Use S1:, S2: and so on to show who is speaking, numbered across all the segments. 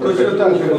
S1: точно так же.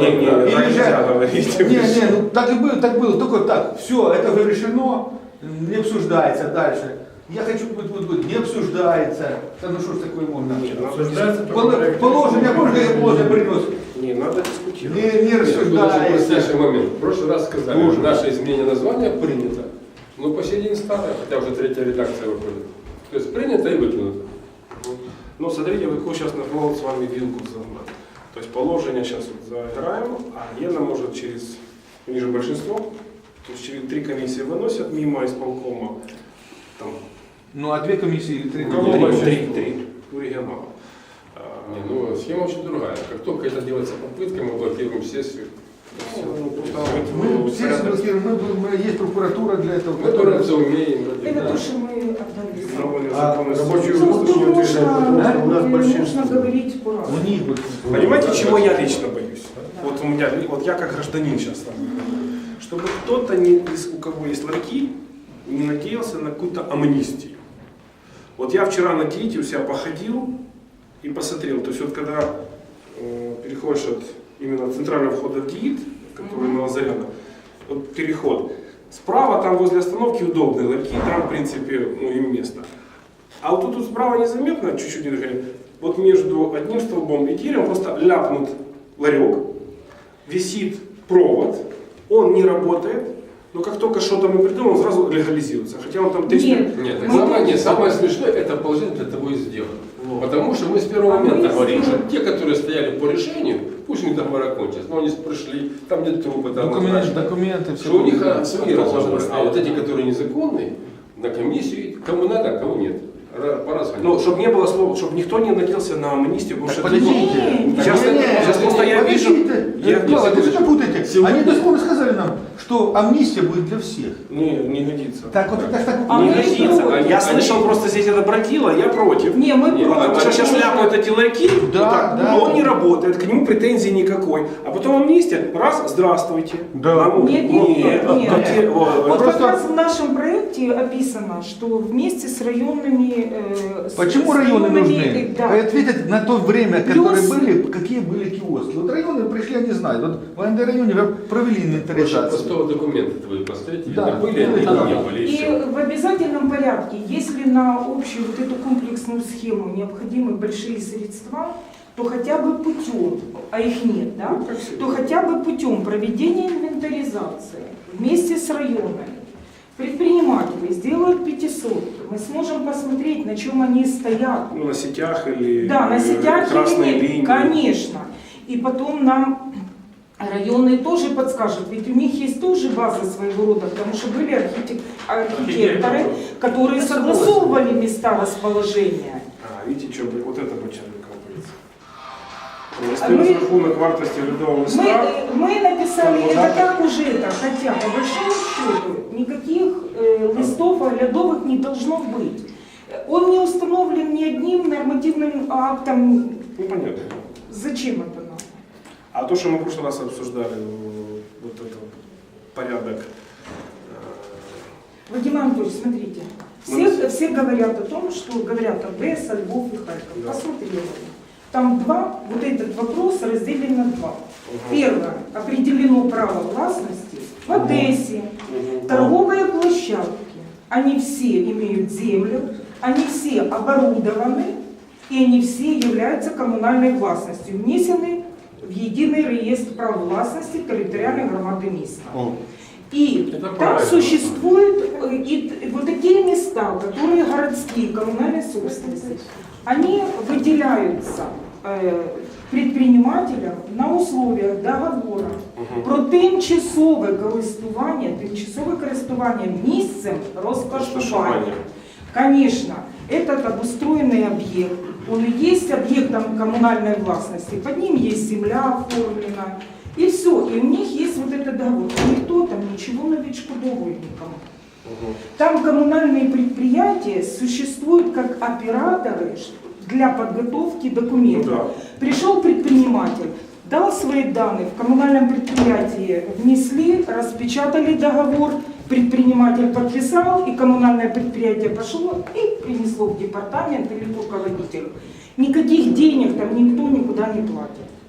S1: Не, ну так было, только так. Все, это уже решено, не обсуждается дальше. Я хочу, не обсуждается. Да ну что ж такое можно? Положение, можно приносить.
S2: Не, надо дискутировать.
S1: Не рассуждается.
S3: Момент. В прошлый раз сказали, наше изменение названия принято. Но по сей день старое, хотя уже третья редакция выходит. То есть принято и выкинуто.
S2: Ну, смотрите, вы сейчас нахвал с вами вилку загнать. То есть положение сейчас вот заиграем, а Гена может через, ниже большинство, то есть через 3 комиссии выносят мимо исполкома. Там,
S1: Ну а 2 комиссии или 3?
S2: Три у регионала.
S3: Не, ну схема очень другая. Как только это делается попыткой, мы блокируем сессию.
S1: Мы все блокируем, есть прокуратура для этого.
S3: Которая все умеем.
S4: Это то, что мы отдали.
S2: Рабочую
S4: Ну,
S2: группу не утверждают, потому что у нас
S4: нужно
S2: большинство.
S4: говорить по-разному.
S2: Понимаете, чего я лично боюсь? Вот у меня, вот я как гражданин сейчас с вами говорю, чтобы кто-то, у кого есть ларьки, не надеялся на какую-то амнистию. Вот я вчера на Диете у себя походил и посмотрел, то есть вот когда переходишь от именно центрального входа в ДИИТ, который на Лазаряна, вот переход, справа там возле остановки удобные ларьки, там в принципе ну, им место. А вот тут справа незаметно, чуть-чуть не движение, вот между одним столбом и деревом просто ляпнут ларек, висит провод, он не работает, но как только что-то мы придумаем, он сразу легализируется. Хотя он там 300...
S3: Нет, самое смешное, это положение для того и сделано. Потому что мы с первого момента говорим, что те, которые стояли по решению, пусть у них договор окончится, но они пришли, там нет трупа, там
S1: документы, все.
S3: что у них свои разговоры. А вот эти, которые незаконные, на комиссию, кому надо, а кому нет.
S2: Ну, чтобы не было слова, чтобы никто не надеялся на амнистию, потому что
S1: Подождите.
S2: сейчас просто я вижу...
S1: Клава, вы что путаете? Они дословно сказали нам, что амнистия будет для всех.
S2: Не годится.
S1: Так вот это так.
S2: Не годится. Я слышал просто здесь это бродило, я против.
S4: Не, мы
S2: Потому что сейчас ляпают эти ларьки,
S1: да.
S2: он не работает, к нему претензий никакой. А потом амнистия, раз, здравствуйте.
S1: Да.
S4: Нет. Вот
S1: Просто...
S4: как раз в нашем проекте описано, что вместе с районными...
S1: Почему районы нужны?
S4: Да.
S1: Ответить на то время,
S4: Плюс...
S1: которые были, какие были киоски. Вот районы пришли, они знают. Вот в районе провели инвентаризацию.
S3: Пустого документа твои поставите,
S1: да.
S3: Были, они не были.
S4: И в обязательном порядке, если на общую вот эту комплексную схему необходимы большие средства, то хотя бы путем, а их нет, да, то хотя бы путем проведения инвентаризации вместе с районами предприниматели сделают 500, мы сможем посмотреть, на чем они стоят.
S2: Ну, на сетях или
S4: да, на сетях
S2: красные
S4: или
S2: линии.
S4: Конечно. И потом нам районы тоже подскажут, ведь у них есть тоже база своего рода, потому что были архитекторы, которые согласовывали места расположения.
S2: Видите, что вот это подчеркивается. Если рахунок вартости ледового листа...
S4: Мы написали это так уже, хотя по большому счету никаких листов ледовых не должно быть. Он не установлен ни одним нормативным актом.
S2: Ну, понятно.
S4: Зачем это надо?
S2: А то, что мы в прошлый раз обсуждали, вот этот порядок...
S4: Вадим Анатольевич, смотрите, все говорят о том, что говорят Одесса, Львов и Харьков. Да. Посмотрите. Там вот этот вопрос разделен на два. Первое, определено право властности в Одессе, торговые площадки. Они все имеют землю, они все оборудованы, и они все являются коммунальной властностью, внесены в единый реестр прав властности территориальной громады места. И там существуют и вот такие места, которые городские, коммунальные собственности. Они выделяются предпринимателям на условиях договора про тимчасове користування місцем розташування. Конечно, этот обустроенный объект, он и есть объектом коммунальной властности, под ним есть земля оформлена, и все, и у них есть вот этот договор. Никто там ничего не відшкодовує никому. Там коммунальные предприятия существуют как операторы для подготовки документов.
S2: Ну, да.
S4: Пришел предприниматель, дал свои данные, в коммунальном предприятии внесли, распечатали договор, предприниматель подписал, и коммунальное предприятие пошло и принесло в департамент или к руководителю. Никаких денег там никто никуда не платит.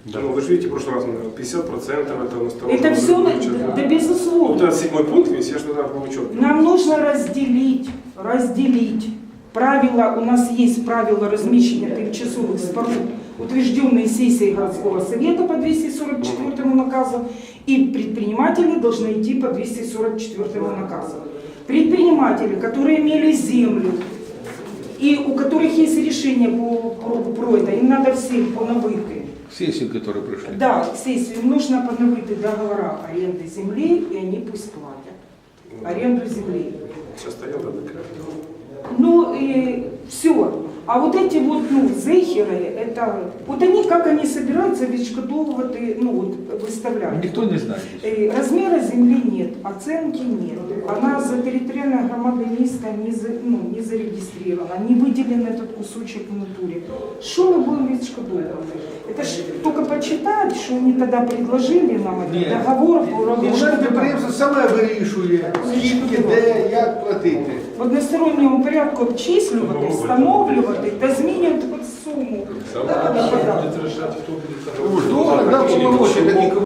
S2: Ну, вы же видите, в прошлый раз, наверное, 50% это настороженно.
S4: Это все, да
S2: Вот
S4: безусловно.
S2: этот 7-й пункт весь, я же тогда был учет.
S4: Нам нужно разделить. Правила, у нас есть правила размещения тимчасовых споруд, утвержденные сессией городского совета по 244 наказу, и предприниматели должны идти по 244 наказу. Предприниматели, которые имели землю, и у которых есть решение про это, им надо всем поновыты.
S1: Сессию, которые пришли.
S4: Да, сессию, им нужно поновыты договора аренды земли, и они пусть платят аренду земли.
S2: Сейчас стоял, да, такая.
S4: Ну и все. А вот эти вот, зехеры, это, вот они, как они собираются відшкодовувати, выставлять.
S1: Никто не знает.
S4: Размера земли нет, оценки нет. Она за территориальной громадой места не зарегистрирована, не выделен этот кусочек в натуре. Что мы будем відшкодовувати? Это ж только почитать, что они тогда предложили нам, этот
S1: Нет.
S4: договор по
S1: Комунальне підприємство саме вирішує, скільки, де, як платити.
S4: в односторонньому порядку обчислювати, встановлювати та змінювати суму.
S3: Самое
S4: Да, да, да.
S3: будет решать, кто будет
S1: Хто дав повномочі такі